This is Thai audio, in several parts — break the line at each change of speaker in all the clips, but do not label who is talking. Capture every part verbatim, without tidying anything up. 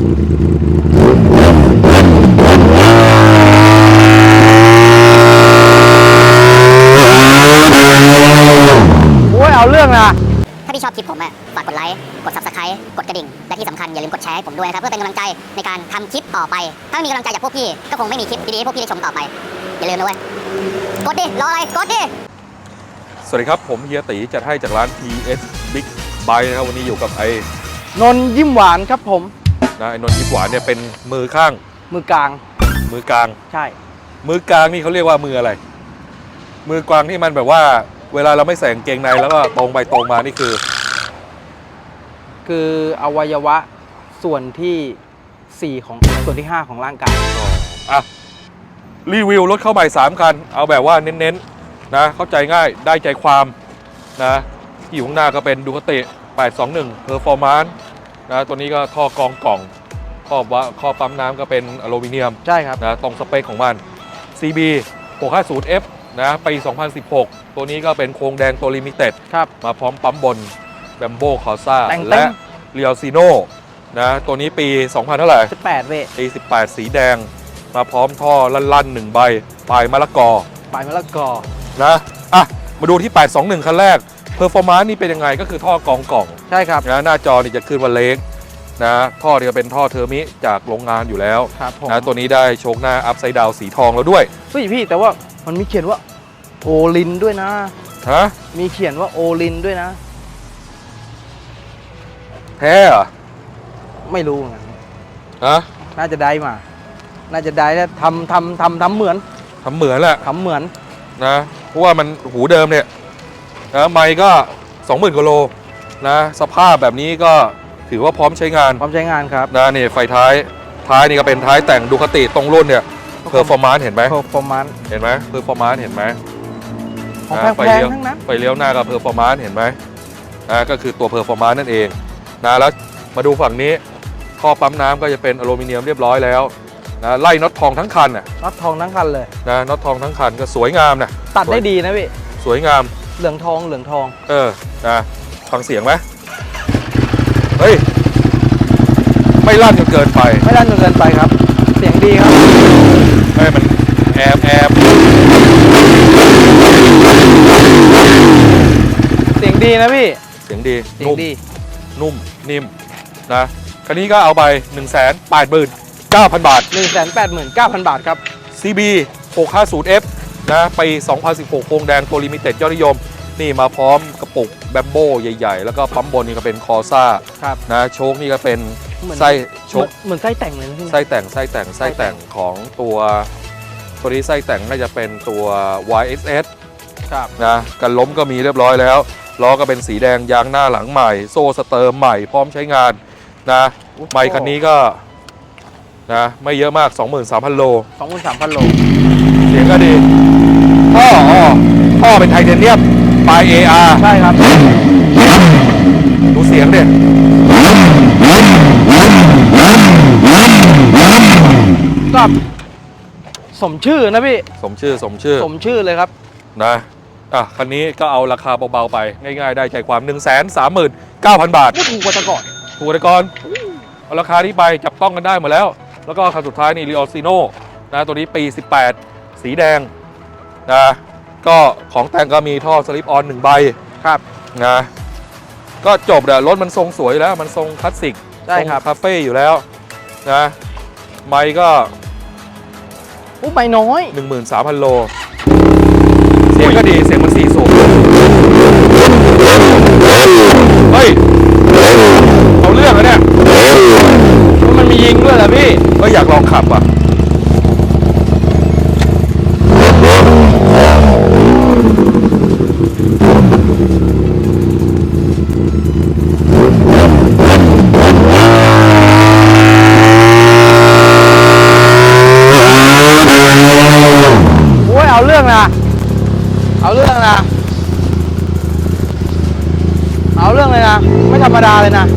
โอ้ยเอาเรื่องนะ
ถ้าพี่ชอบคลิปผมอะฝากกดไลค์กด ซับสไครบ์ กดกระดิ่งและที่สำคัญอย่าลืมกดแชร์ให้ผมด้วยนะครับเพื่อเป็นกำลังใจในการทำคลิปต่อไปถ้าไม่มีกำลังใจจากพวกพี่ก็คงไม่มีคลิปดีๆให้พวกพี่ได้ชมต่อไปอย่าลืมนะเว้ยกดดิรออะไรกดดิ
สวัสดีครับผมเฮียตีจัดให้จากร้าน ที เอส Big Bike นะครับวันนี้อยู่กับไอ้
นนยิ้มหวานครับผม
นะไอ้นนท์ยิ้มหวานเนี่ยเป็นมือข้าง
มือกลาง
มือกลาง
ใช่
มือกลางนี่เขาเรียกว่ามืออะไรมือกลางที่มันแบบว่าเวลาเราไม่ใส่กางเกงในแล้วก็ตรงไปตรงมานี่คือ
คืออวัยวะส่วนที่สี่ของส่วนที่ห้าของร่างกาย
อ่ะรีวิวรถเข้าใหม่สามคันเอาแบบว่าเน้นๆนะเข้าใจง่ายได้ใจความนะที่อยู่ข้างหน้าก็เป็นดูคาติแปดสองหนึ่ง Performance นะตัวนี้ก็ท่อกองกล่องข้อว่าข้อปั๊มน้ำก็เป็นอลูมิเนียม
ใช่ครับ
นะตรงสเปคของมัน ซี บี หกห้าศูนย์ เอฟ นะปีสองพันสิบหกตัวนี้ก็เป็นโครงแดงตัวลิมิเต็ดมาพร้อมปั๊มบนแบมโบคอซ่าและเรียวซีโน่นะตัวนี้ปีสองพันเท่าไหร่
สิบแปดเว้ย
ปีสิบแปดสีแดงมาพร้อมท่อลั่นๆหนึ่งใบปลายมะละกอ
ปลายมะละกอ
นะอ่ะมาดูที่แปดสองหนึ่งคันแรกเพอร์ฟอร์มานซ์นี่เป็นยังไงก็คือท่อกองกล่อง
ใช่ครับ
นะหน้าจอนี่จะขึ้นว่าเล็กนะท่อนี่ก็เป็นท่อเทอร์มิจากโรงงานอยู่แล้วนะตัวนี้ได้โชคหน้าอัพไซด์ดาวสีทองแล้วด้วย
เฮ้ยพี่แต่ว่ามันมีเขียนว่าโอลินด้วยนะ
ฮะ
มีเขียนว่าโอลินด้วยนะ
แท้เหรอ
ไม่รู้ไง
ฮะ
น่าจะได้มาน่าจะได้แล้วทำทำทำทำเหมือน
ทำเหมือนแหละ
ทำเหมือน
นะเพราะว่ามันหูเดิมเนี่ยนะไมค์ก็สองหมื่นกิโลนะสภาพแบบนี้ก็ถือว่าพร้อมใช้งาน
พร้อมใช้งานครับ
นะนี่ไฟท้ายท้ายนี่ก็เป็นท้ายแต่งดูคาติตรงรุ่นเนี่ยเพอร์ฟอร์มานซ์เห็นไหม
เพอร์ฟอร์มานซ์
เห็นไหมเพอร์ฟอร์มานซ์เห็นไหม
ของแพงๆทั้งนั้น
ไฟเลี้ยวหน้ากับเพอร์ฟอร์มานซ์เห็นไหมนะก็คือตัวเพอร์ฟอร์มานซ์นั่นเองนะแล้วมาดูฝั่งนี้ท่อปั๊มน้ำก็จะเป็นอลูมิเนียมเรียบร้อยแล้วนะไล่น็อตทองทั้งคันน่ะ
น็อตทองทั้งคันเลย
นะน็อตทองทั้งคันก็สวยงามนะ
ตัดได้ดีนะพี่
สวยงาม
เหลืองทองเหลืองทอง
เออนะฟังเสียงไหมเฮ้ยไม่ลั่นจนเกินไป
ไม่ลั่นจนเกินไปครับเสียงดีครับ
เฮ้ยมันแอบแอบ
เสียงดีนะพี่
เสียงดี
เสียงดี
นุ่มนิ่มนะคันนี้ก็เอาไป หนึ่งแสนแปดหมื่นเก้าพัน บาท
หนึ่งแสนแปดหมื่นเก้าพัน บาทครับ
ซี บี หกห้าศูนย์ เอฟ นะปีสองพันสิบหกโครงแดงตัวลิมิเต็ดยอดนิยมนี่มาพร้อมกระปุกแบมโบใหญ่ๆแล้วก็ปั๊มบนนี่ก็เป็นคอซ่านะโชคนี่ก็เป็นไส้โชค
เหมือนไส้แต่งเลยนะพี่
ไส้แต่งไส้แต่งไส้แต่งของตัวตัวนี้ไส้แต่งน่าจะเป็นตัว วาย เอส เอส
ครับ
นะกันล้มก็มีเรียบร้อยแล้วล้อก็เป็นสีแดงยางหน้าหลังใหม่โซ่สเตอร์ใหม่พร้อมใช้งานนะไมค์คันนี้ก็นะไม่เยอะมาก สองหมื่นสามพัน โล
สองหมื่นสามพัน โล
เสียงก็ดีท่ออ๋อท่อเป็นไทเทเนียมปลาย เอ อาร์
ใช่ครับ
ดูเสียงดิ
ก็สมชื่อนะพี่
สมชื่อสมชื่อ
สมชื่อเลยครับ
นะอ่ะคันนี้ก็เอาราคาเบาๆไปง่ายๆได้ใจความ หนึ่งแสนสามหมื่นเก้าพัน บาท
ถูกกว่าแต่ก่อน
ถูกกว่าแต่ก่อนเอาราคาที่ไปจับต้องกันได้หมดแล้วแล้วก็คันสุดท้ายนี่ Rio Sino นะตัวนี้ปีสิบแปดสีแดงนะก็ของแต่งก็มีท่อสลิปออนหนึ่งใบ
ครับ
นะก็จบเลยรถมันทรงสวยแล้วมันทรงคลาสสิก
ใช่ครับ
คาเฟ่อยู่แล้วนะไมค์ก็
อู้ไม่น้อย
หนึ่งหมื่นสามพัน โลเสียงก็ดีเสียงมันสี่สูบเฮ้ยเอาเรื่องอะเนี่ย
มันมียิงด้วยเหรอพี่
ก็อยากลองขับอ่ะ
โอ้ยเอาเรื่องนะเอาเรื่องนะเอาเรื่องเลยนะไม่ธรรมดาเลยนะ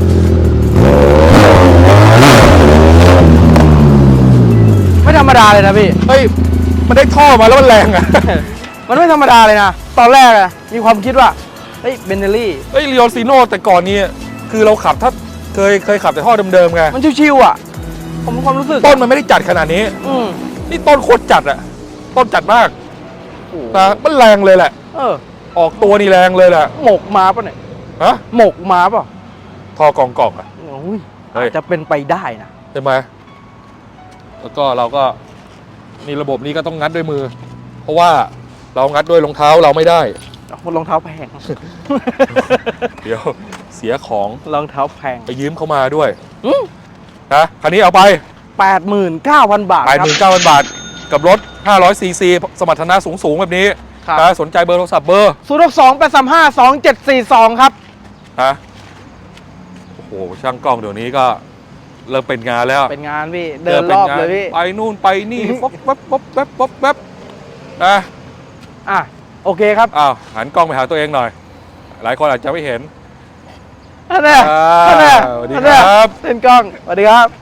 ไม่ธรรมดาเลยนะพี่
เฮ้ยมันได้ท่อมาแล้วมันแรงอ่ะ
มันไม่ธรรมดาเลยนะตอนแรกอะมีความคิดว่าเฮ้ยเบนเนลลี่
เฮ้ยเรียวซีโน่แต่ก่อนนี้คือเราขับถ้าเคยเคยขับแต่ท่อเดิมๆไง
มันชิวๆอ่ะผมมีความรู้สึก
ต้นมันไม่ได้จัดขนาดนี้
อืม
นี่ต้นโคตรจัดอะต้นจัดมาก
โอ้โห
นะมันแรงเลยแหละ
เออ
ออกตัวนี่แรงเลยแหละ
หมกมาป่ะเนี่ย
ฮะ
หมกมาป่ะ
ทอกองกอกอะ
โอ้ย
เฮ้ย
อาจจะเป็นไปได้นะ
ใช่ไหมแล้วก็เราก็นี่ระบบนี้ก็ต้องงัดด้วยมือ เพราะว่าเรางัดด้วยรองเท้าเราไม่ได้
รองเท้าแพง
เดี๋ยวเสียของ
รองเท้าแพง
ไปยืมเขามาด้วย
อืม
นะคันนี้เอาไป
แปดหมื่นเก้าพันบาท
แปด
ค
ห
รับ
มื่นเก้าพันบาท กับรถห้าร้อยซีซีสมรรถนะสูงๆแบบนี้
ครับ
นะสนใจเบอร์โทรศัพท์เบอร์
ศูนย์หกสองแปดสามห้าสองเจ็ดสี่สองครับ
นะโอ้โหช่างกล้องเดี๋ยวนี้ก็เริ่มเป็นงานแล้ว
เป็นงานพี่ เดินรอบเลยพี่
ไปนู่นไปนี่ป๊บป๊บป๊บป๊บป๊บป๊บนะ
อ่ะ โอเคครับ
อ้าวหันกล้องไปหาตัวเองหน่อย หลายคนอาจจะไม่เห็น
นั่นแหละ
อ่า
นั่นแหละ
สวัสดี
นั่นแหละ
ครับ
เล่นกล้อง สวัสดีครับ